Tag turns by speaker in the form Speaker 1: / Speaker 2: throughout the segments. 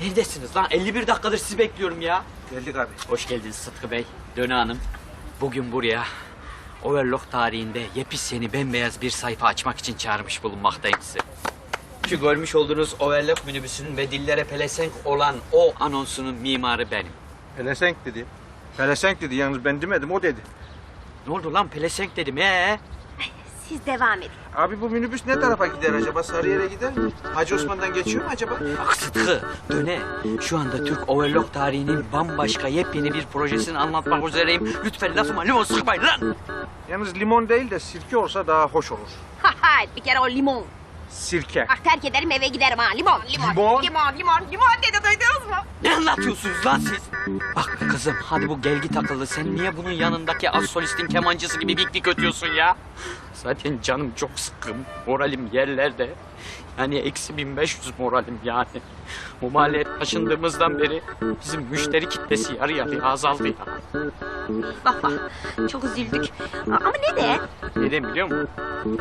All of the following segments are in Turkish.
Speaker 1: Neredesiniz lan? 51 dakikadır sizi bekliyorum ya.
Speaker 2: Geldik abi.
Speaker 1: Hoş geldiniz Sıtkı Bey, Döne Hanım. Bugün buraya Overlock tarihinde yepyeni bembeyaz bir sayfa açmak için çağırmış bulunmaktayım sizi. Şu görmüş olduğunuz Overlock minibüsünün ve dillere pelesenk olan o anonsunun mimarı benim.
Speaker 2: Pelesenk dedi. Pelesenk dedi, yalnız ben demedim, o dedi.
Speaker 1: Ne oldu lan, pelesenk dedim
Speaker 3: Siz devam edin.
Speaker 2: Abi bu minibüs ne tarafa gider acaba? Sarıyer'e gider mi? Hacı Osman'dan geçiyor mu acaba?
Speaker 1: Bak Sıtkı, Döne. Şu anda Türk Overlock tarihinin bambaşka yepyeni bir projesini anlatmak üzereyim. Lütfen lafıma limon sıkmayın lan.
Speaker 2: Yalnız limon değil de sirke olsa daha hoş olur.
Speaker 3: Ha bir kere o limon.
Speaker 2: Sirke.
Speaker 3: Bak terk ederim eve giderim ha. Limon.
Speaker 2: Limon?
Speaker 3: Limon dedi, duydunuz mu?
Speaker 1: Ne anlatıyorsunuz lan siz? Bak kızım, hadi bu gelgi takıldı. Sen niye bunun yanındaki az solistin kemancısı gibi bik ötüyorsun ya? Zaten canım çok sıkkın, moralim yerlerde. Yani eksi 1500 moralim yani. Bu mahalleye taşındığımızdan beri bizim müşteri kitlesi yarı yarıya azaldı ya.
Speaker 3: Bak çok üzüldük. Ama neden?
Speaker 1: Neden biliyor musun?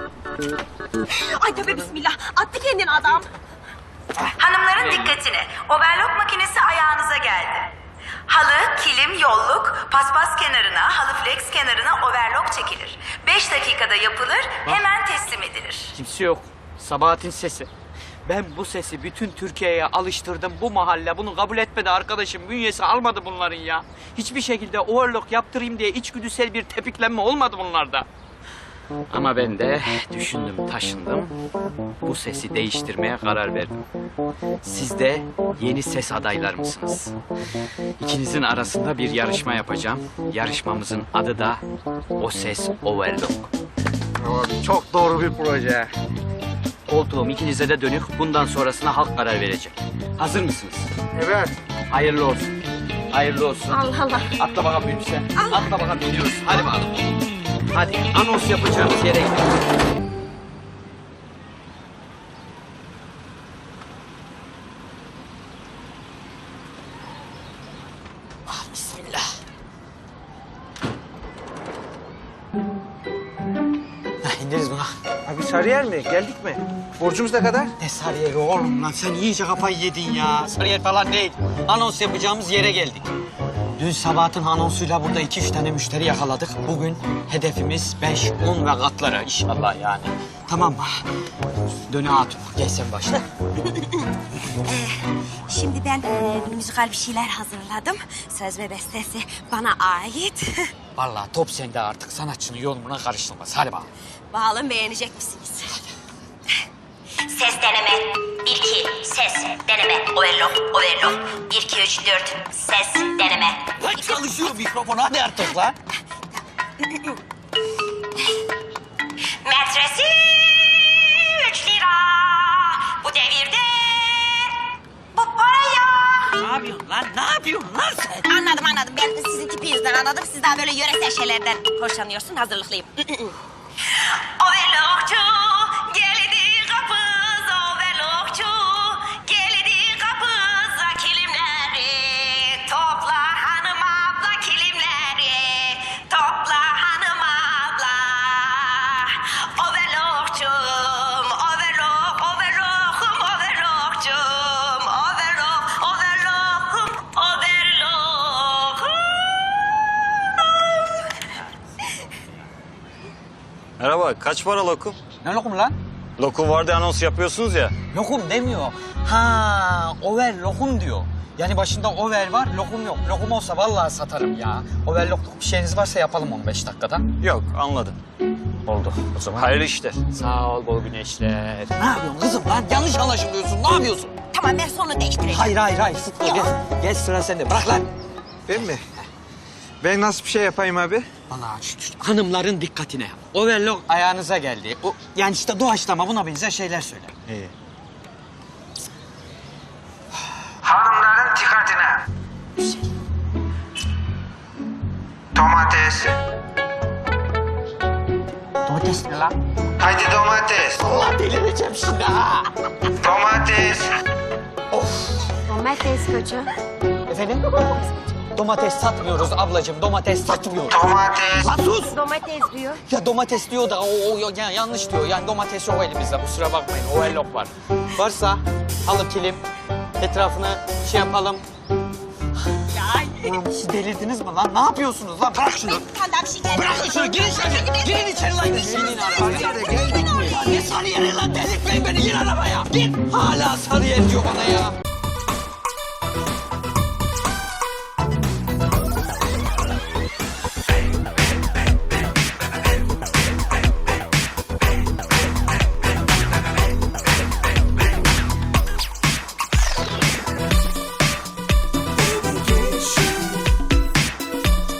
Speaker 3: Ay tövbe bismillah. Attı kendini adam.
Speaker 4: Hanımların dikkatine. Overlock makinesi ayağınıza geldi. Halı, kilim, yolluk, paspas kenarına, halı flex kenarına overlock çekilir. 5 dakikada yapılır, hemen teslim edilir.
Speaker 1: Kimse yok. Sabahat'in sesi. Ben bu sesi bütün Türkiye'ye alıştırdım. Bu mahalle bunu kabul etmedi arkadaşım. Bünyesi almadı bunların ya. Hiçbir şekilde overlock yaptırayım diye içgüdüsel bir tepiklenme olmadı bunlarda. Ama ben de düşündüm, taşındım. Bu sesi değiştirmeye karar verdim. Siz de yeni ses adaylar mısınız? İkinizin arasında bir yarışma yapacağım. Yarışmamızın adı da O Ses Overlock.
Speaker 2: Abi, çok doğru bir proje.
Speaker 1: Koltuğum ikinize de dönük. Bundan sonrasına halk karar verecek. Hazır mısınız?
Speaker 2: Evet.
Speaker 1: Hayırlı olsun. Hayırlı olsun.
Speaker 3: Allah Allah.
Speaker 1: Atla bakalım minibüse. Atla bakalım, gidiyoruz. Hadi bakalım. Hadi anons yapacağımız yere gidelim. Ah, bismillah. İndiriz buna.
Speaker 2: Abi Sarıyer mi? Geldik mi? Borcumuz ne kadar?
Speaker 1: Ne Sarıyer'i oğlum lan, sen iyice kafayı yedin ya. Sarıyer falan değil. Anons yapacağımız yere geldik. Dün Sabahat'ın anonsuyla burada 2-3 tane müşteri yakaladık. Bugün hedefimiz 5, 10 ve katları inşallah yani. Tamam mı? Döne Hatun, gel sen başla.
Speaker 3: Şimdi ben müzikal bir şeyler hazırladım. Söz ve bestesi bana ait.
Speaker 1: Vallahi top sende artık, sanatçının yorumuna karışılmaz. Hadi bakalım.
Speaker 3: Bakalım beğenecek misiniz?
Speaker 4: Ses deneme. 1, 2, ses deneme. Overlock, overlock. 1, 2, 3, 4, ses deneme.
Speaker 1: Lan çalışıyor mikrofon, hadi artık lan.
Speaker 4: Metresi 3 lira. Bu devirde bu para ya.
Speaker 1: Ne yapıyorsun lan, ne yapıyorsun lan sen?
Speaker 3: Anladım. Ben sizin tipinizden anladım. Siz daha böyle yöresel şeylerden hoşlanıyorsun. Hazırlıklıyım.
Speaker 4: Overlockçu geldi kapız, overlockçu geldi kapıza, kilimleri topla hanım abla, kilimleri topla hanım abla. Overlockçum, overlock, overlockum, overlockçum, overlock, overlockum, overlockum.
Speaker 5: Merhaba, kaç para lokum?
Speaker 1: Ne lokum lan?
Speaker 5: Lokum var diye anons yapıyorsunuz ya.
Speaker 1: Lokum demiyor. Ha, over lokum diyor. Yani başında over var, lokum yok. Lokum olsa vallahi satarım ya. Overlockluk bir şeyiniz varsa yapalım 15 dakikada.
Speaker 5: Yok, anladım.
Speaker 1: Oldu o zaman.
Speaker 5: Hayırlı işler.
Speaker 1: Sağ ol bol güneşler. Ne yapıyorsun kızım lan? Yanlış anlaşılıyorsun. Ne yapıyorsun?
Speaker 3: Tamam ben sonu değiştireceğim.
Speaker 1: Hayır. Sıtkı gel. Gel sıra sende. Bırak lan.
Speaker 2: Ben mi? Ben nasıl bir şey yapayım abi?
Speaker 1: Vallahi hanımların dikkatine. Overlock ayağınıza geldi. O, yani işte doğaçlama, buna benzer şeyler söyle.
Speaker 2: İyi. Hanımların dikkatine. Domates.
Speaker 1: Domates ne lan?
Speaker 2: Haydi domates.
Speaker 1: Allah delireceğim şimdi ha.
Speaker 2: Domates.
Speaker 3: Domates koçum.
Speaker 1: Efendim? Domates satmıyoruz ablacığım. Domates satmıyoruz.
Speaker 2: Domates.
Speaker 1: Lan sus!
Speaker 3: Domates diyor.
Speaker 1: Ya domates diyor da yani yanlış diyor. Yani domates yok elimizde. Kusura bakmayın. Overlock var. Varsa halı, kilim, etrafına şey yapalım. Oğlum siz delirdiniz mi lan? Ne yapıyorsunuz lan? Bırak şunu. Bırakın şunu. Girin içeri. Girin içeri lan. Binin arabaya.
Speaker 2: Geldik mi?
Speaker 1: Ne Sarıyer'i lan? Delirtmeyin beni. Gir arabaya. Gir. Hala Sarıyer diyor bana ya.